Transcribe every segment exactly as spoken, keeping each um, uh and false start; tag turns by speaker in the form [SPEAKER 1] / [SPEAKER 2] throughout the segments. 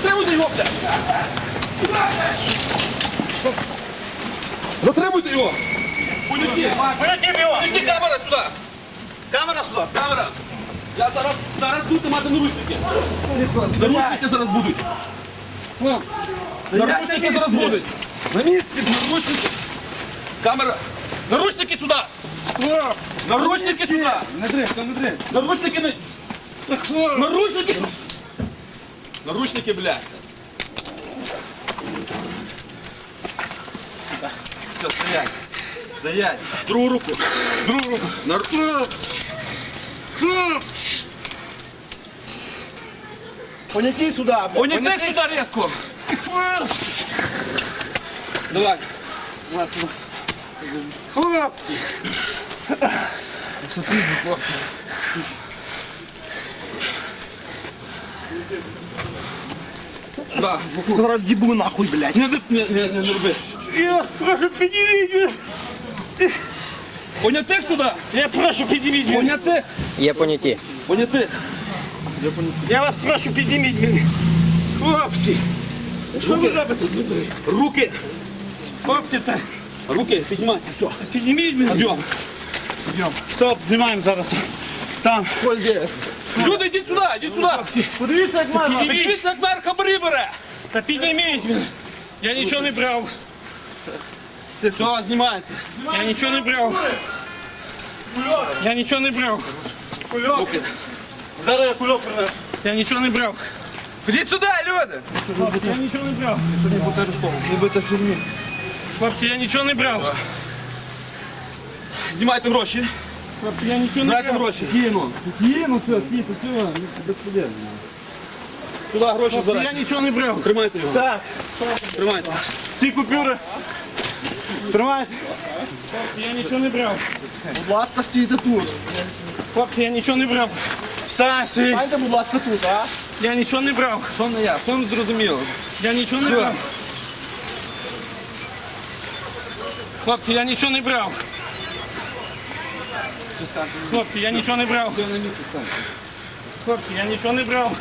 [SPEAKER 1] Затримуйте його, блядь! Затримуйте його! Поняті!
[SPEAKER 2] Поняті його!
[SPEAKER 1] Поняті, камера сюди!
[SPEAKER 2] Камера сюди!
[SPEAKER 1] Камера! Я зараз, зараз будете мати наручники! Наручники зараз будуть! Наручники зараз будуть! На місці, наручники! Камера! Наручники сюди! Наручники сюди!
[SPEAKER 2] Не дрих, не дрих!
[SPEAKER 1] Наручники не... Наручники! Наручники, блядь! Все, стоять! Стоять! Другу руку! Другу руку! Нар...
[SPEAKER 2] Поняті сюди!
[SPEAKER 1] Поняти сюди рідко! Давай! Давай сюди!
[SPEAKER 2] Хлопці!
[SPEAKER 1] Хлопці! Да.
[SPEAKER 2] Зараз їбу нахуй, блядь!
[SPEAKER 1] Не, не, не, не, не роби!
[SPEAKER 2] Я прошу, підніміть!
[SPEAKER 1] Понятих сюди!
[SPEAKER 2] Я прошу, підніміть!
[SPEAKER 1] Понятих!
[SPEAKER 3] Є поняті.
[SPEAKER 1] Понятих!
[SPEAKER 2] Я вас прошу, підніміть мене! Хлопці! Що ви робите?
[SPEAKER 1] Руки!
[SPEAKER 2] Хлопці, та
[SPEAKER 1] Руки, піднімайся, все!
[SPEAKER 2] підніміть мене!
[SPEAKER 1] Йдем!
[SPEAKER 2] Стоп, знімаємо зараз. Стан.
[SPEAKER 1] Люди, йдіть сюди, йдіть сюди!
[SPEAKER 2] Подивіться, як мама.
[SPEAKER 1] Подивіться, як мер хабарі бере!
[SPEAKER 2] Та підніміть мене. Я нічого не брав.
[SPEAKER 1] Все, знімайте!
[SPEAKER 2] Я нічого не брав. Я нічого не брав. Кульок. Зараз я кульок принесу. Я нічого не брав.
[SPEAKER 1] Ходіть сюди, люди!
[SPEAKER 2] Я нічого не брав.
[SPEAKER 1] Сьогодні буде арештований. Ви будете в тюрмі.
[SPEAKER 2] Хлопці, я нічого не брав.
[SPEAKER 1] Знімайте гроші.
[SPEAKER 2] Хлопці, я нічого не
[SPEAKER 1] Збирайте
[SPEAKER 2] брав.
[SPEAKER 1] гроші. Кину.
[SPEAKER 4] Кину, все, стійте, все, безподобно.
[SPEAKER 1] Сюди гроші
[SPEAKER 2] Хлопці, я
[SPEAKER 1] збирайте.
[SPEAKER 2] нічого не брав.
[SPEAKER 1] Тримайте його.
[SPEAKER 2] Так.
[SPEAKER 1] Тримайте.
[SPEAKER 2] Всі купюри. Тримайте. Я нічого не брав.
[SPEAKER 4] Будь ласка, стійте тут.
[SPEAKER 2] Хлопці, я нічого не брав. Встань, сій.
[SPEAKER 4] Стайте, будь ласка, тут, а?
[SPEAKER 2] Я нічого не брав.
[SPEAKER 1] Що не я? Що не зрозуміло?
[SPEAKER 2] Я нічого не брав. Хлопці, я нічого не брав. Хлопці, я нічого не брав. Хлопці, я нічого не брав.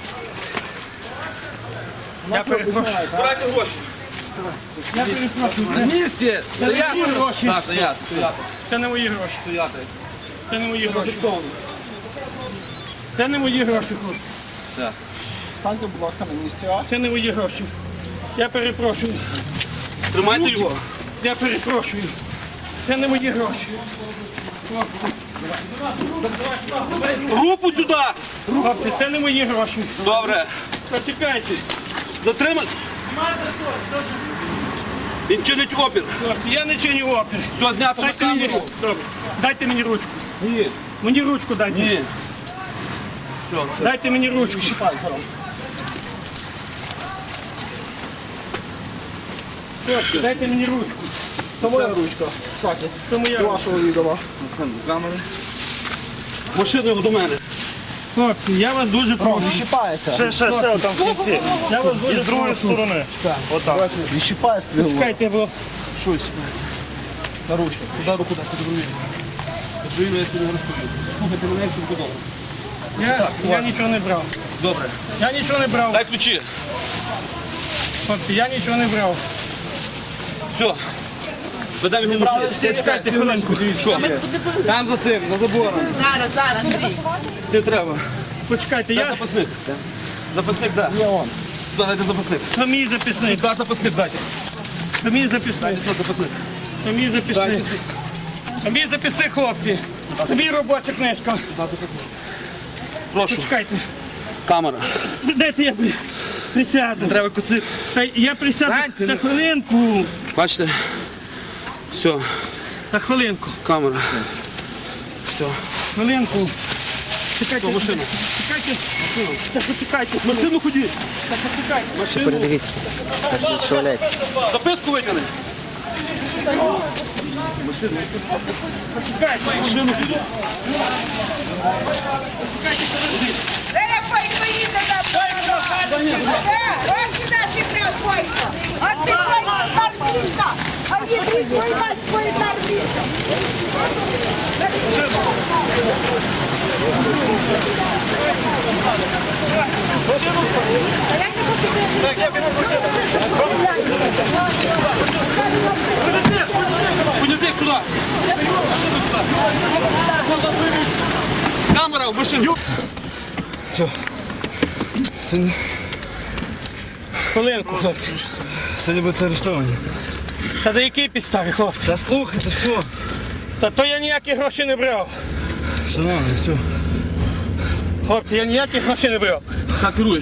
[SPEAKER 2] Я перепрошую.
[SPEAKER 1] Збирайте гроші.
[SPEAKER 2] Я перепрошую.
[SPEAKER 1] На місці. Стояти.
[SPEAKER 2] мої гроші.
[SPEAKER 1] Так, стояти. Стояти.
[SPEAKER 2] Це не мої гроші.
[SPEAKER 1] Стояти.
[SPEAKER 2] Це не мої гроші.
[SPEAKER 1] Зафіксовано.
[SPEAKER 2] Це не мої гроші, хлопці.
[SPEAKER 4] Станьте, будь ласка, на місці, а?
[SPEAKER 2] Це не мої гроші. Я перепрошую.
[SPEAKER 1] Тримайте його.
[SPEAKER 2] Я перепрошую. Це не мої гроші.
[SPEAKER 1] Руку сюди.
[SPEAKER 2] Хлопці, це не мої гроші.
[SPEAKER 1] Добре.
[SPEAKER 2] Почекайте.
[SPEAKER 1] Затримати. Він чинить опір.
[SPEAKER 2] Хлопці, я не чиню опір.
[SPEAKER 1] Все, знято на
[SPEAKER 2] Дайте мені,
[SPEAKER 1] камеру.
[SPEAKER 2] Добре. Дайте мені ручку.
[SPEAKER 1] Ні.
[SPEAKER 2] Мені ручку дайте.
[SPEAKER 1] Ні. Все, все.
[SPEAKER 2] Дайте мені ручку.
[SPEAKER 4] Чіпай, зараз.
[SPEAKER 2] Хлопці, дайте мені ручку.
[SPEAKER 4] Це моя ручка. Кстати,
[SPEAKER 2] Це моя ручка.
[SPEAKER 4] вашого відома.
[SPEAKER 1] Машину його до мене.
[SPEAKER 2] Хлопці, я вас дуже прошу.
[SPEAKER 4] Не щіпається.
[SPEAKER 2] Ще, ще, ще, там в кінці. Я вас дуже з другої сторони. Отак.
[SPEAKER 4] Не щіпає стрілу.
[SPEAKER 2] Чекайте, бо
[SPEAKER 4] Щось. На ручку.
[SPEAKER 1] Куди руку дати, подивує. Подивує, я сьогодні розповів. Слухайте мене, все буде добре.
[SPEAKER 2] я, я нічого не брав.
[SPEAKER 1] Добре.
[SPEAKER 2] Я нічого не брав.
[SPEAKER 1] Дай ключі.
[SPEAKER 2] Хлопці, я нічого не брав.
[SPEAKER 1] Все. Ведемо його в машину.
[SPEAKER 2] Чекайте хвилинку.
[SPEAKER 1] Що? Там за тим, за забором.
[SPEAKER 5] Зараз, зараз, Андрій.
[SPEAKER 1] Не треба.
[SPEAKER 2] Почекайте,
[SPEAKER 1] Дай
[SPEAKER 2] я
[SPEAKER 1] запасник. Запасник, так.
[SPEAKER 4] Є он.
[SPEAKER 1] Сюди дайте запасник.
[SPEAKER 2] це мій записник.
[SPEAKER 1] Сюди запасник дайте.
[SPEAKER 2] Це мій записник.
[SPEAKER 1] Дайте сюди запасник.
[SPEAKER 2] Це мій записник. Це мій записник, хлопці. Це мій робоча книжка.
[SPEAKER 1] Прошу.
[SPEAKER 2] Почекайте.
[SPEAKER 1] Камера.
[SPEAKER 2] Дайте я при- присяду.
[SPEAKER 1] Треба косити.
[SPEAKER 2] Та я присяду
[SPEAKER 1] Станьте,
[SPEAKER 2] на
[SPEAKER 1] ну.
[SPEAKER 2] хвилинку.
[SPEAKER 1] Бачите? Все,
[SPEAKER 2] На хвилинку.
[SPEAKER 1] камера. Все.
[SPEAKER 2] Хвилинку. Чекайте.
[SPEAKER 1] машину.
[SPEAKER 2] Чекайте. Та почекайте.
[SPEAKER 1] Машину ходіть.
[SPEAKER 2] Та почекайте.
[SPEAKER 1] Машину.
[SPEAKER 3] Передивіться. Шваляйте.
[SPEAKER 1] Записку витягни.
[SPEAKER 2] Почекайте.
[SPEAKER 1] Машину ходіть.
[SPEAKER 5] Е, пойко їде на ось сюди ти прям пойко. А ти пойко марміта. А їди твій мать твій марміта. А як ти
[SPEAKER 1] Понятих сюди. Камера в машину.
[SPEAKER 2] Хвилинку, хлопці.
[SPEAKER 4] Сьогодні будете арештовані.
[SPEAKER 2] Та до якій підставі, хлопці?
[SPEAKER 4] Та слухайте, все.
[SPEAKER 2] Та то я ніякі гроші не брав.
[SPEAKER 4] Шановні, все.
[SPEAKER 2] Хлопці, я ніякі гроші не брав.
[SPEAKER 1] Так, керуй.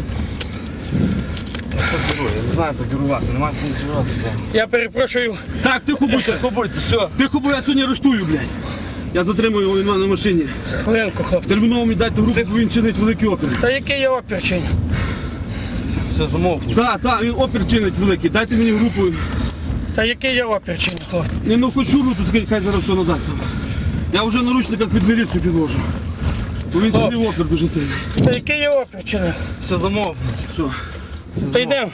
[SPEAKER 4] Я не знаю, покерувати, немає кому керувати.
[SPEAKER 2] Я перепрошую.
[SPEAKER 1] Так, тихо будьте.
[SPEAKER 4] Тихо будьте, все.
[SPEAKER 1] Тихо, бо я сьогодні арештую, блядь. Я затримую його, він в мене на машині.
[SPEAKER 2] Хвилинку, хлопці.
[SPEAKER 1] Терміново мені дайте групу, бо він чинить великий опір.
[SPEAKER 2] Та який я опір чиню?
[SPEAKER 4] Все, замовкніть.
[SPEAKER 1] Так, так, він опір чинить великий. Дайте мені групу.
[SPEAKER 2] Та який я опір чиню, хлопці?
[SPEAKER 1] Не ну хоч шуру, тут скажіть, хай зараз все надасть нам. Я вже наручниках під міліцію підложу. Бо він чинив
[SPEAKER 2] Хлопці.
[SPEAKER 1] опір дуже сильно.
[SPEAKER 2] Та який я опір чиню?
[SPEAKER 4] Все, замовкніть.
[SPEAKER 1] Все.
[SPEAKER 2] Та йдемо.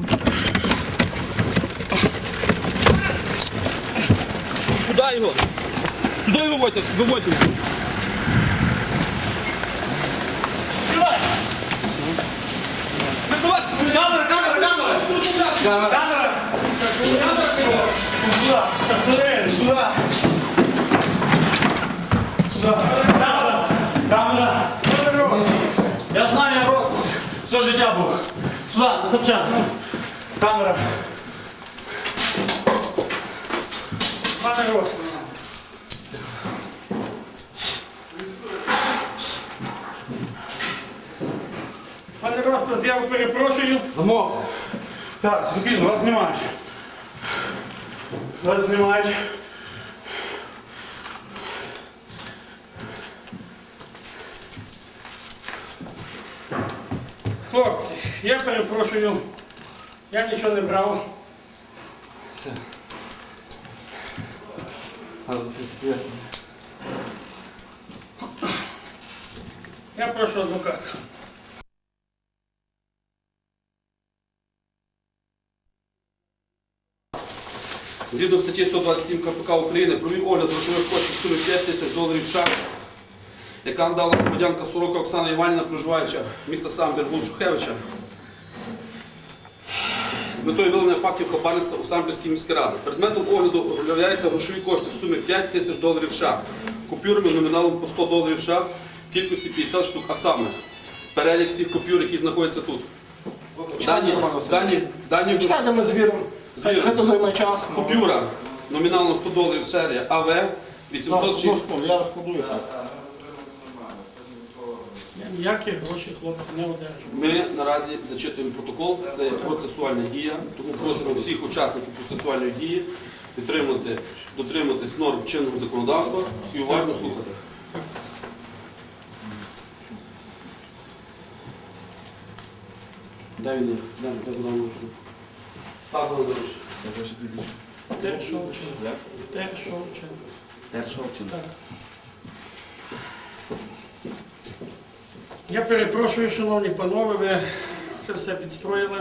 [SPEAKER 1] Сюди його. Сюди його виводьте, виводьте.
[SPEAKER 6] Камера, камера, камера! Камера! Сюда! Сюда! Сюда! Камера! Камера! Я знаю, я рос все життя був. Сюди, на топчан. Камера.
[SPEAKER 2] Пане Рос. Пане Ростас, я перепрошую.
[SPEAKER 1] Замок.
[SPEAKER 6] Так, спокійно, вас знімають. Вас знімають.
[SPEAKER 2] Хлопці, я перепрошую. Я нічого не брав. Я прошу адвоката.
[SPEAKER 1] Згідно статті сто двадцять сім КПК України провів огляд грошових коштів в сумі п'ять тисяч доларів США, яка надала громадянка Сорока Оксана Іванівна, проживаюча міста Самбір, вулиця Шухевича, з метою виявлення фактів хабарництва у Самбірській міській раді. Предметом огляду являються грошові кошти в сумі п'ять тисяч доларів США, купюрами номіналом по сто доларів США, в кількості п'ятдесят штук, а саме перелік всіх купюр, які знаходяться тут. Дані, дані, дані,
[SPEAKER 4] Чекайте, ми звіримо.
[SPEAKER 1] Звіримо.
[SPEAKER 4] Хай то займе час. ну.
[SPEAKER 1] купюра номіналом сто доларів серія АВ
[SPEAKER 4] Зараз,
[SPEAKER 1] вісімсот
[SPEAKER 4] одну
[SPEAKER 1] шість.
[SPEAKER 4] секунду, я розкладую.
[SPEAKER 2] Я ніякі гроші, хлопці, не одержу.
[SPEAKER 1] Ми наразі зачитуємо протокол, це процесуальна дія, тому просимо всіх учасників процесуальної дії підтримати, дотриматись норм чинного законодавства і уважно слухати. Дай він, дай, дай Богдан Лучник. Так, Богдан Лучник.
[SPEAKER 2] Тершовчин. Тершовчин. Так. Я перепрошую, шановні панове, ви це все підстроїли.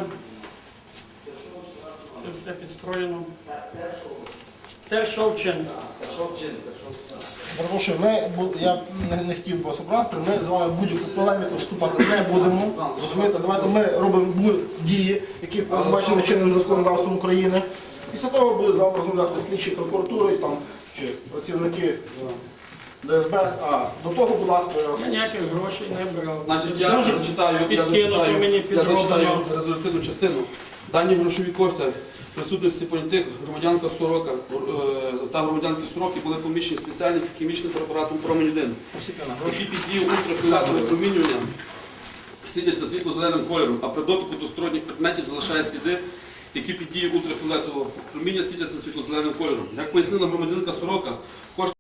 [SPEAKER 2] Це все підстроєно. Тершовчин.
[SPEAKER 4] Перепрошую, ми, бу- я не, не хотів вас образити, ми з вами будь-яку полеміку вступати не будемо. Розумієте, давайте ми робимо бу- дії, які передбачені чинним законодавством України. Після того буде з вами розмовляти слідчі прокуратури там, чи працівники ДСБ. А до того, будь ласка, я вас-
[SPEAKER 2] Я ніяких грошей не брав.
[SPEAKER 1] Значить, я
[SPEAKER 4] Служу.
[SPEAKER 1] зачитаю, я
[SPEAKER 2] Підкинути
[SPEAKER 1] зачитаю,
[SPEAKER 2] мені
[SPEAKER 1] я
[SPEAKER 2] підроблено.
[SPEAKER 1] зачитаю резолютивну частину. Дані грошові кошти в присутності понятих громадянка Сорока е, та громадянки Сороки були поміщені спеціальним хімічним препаратом промінь один, які під дією ультрафіолетового промінювання світяться світло-зеленим кольором, а при дотику до сторонніх предметів залишає сліди, які під дією ультрафіолетового проміння світяться світло-зеленим кольором. Як пояснила громадянка Сорока, кошти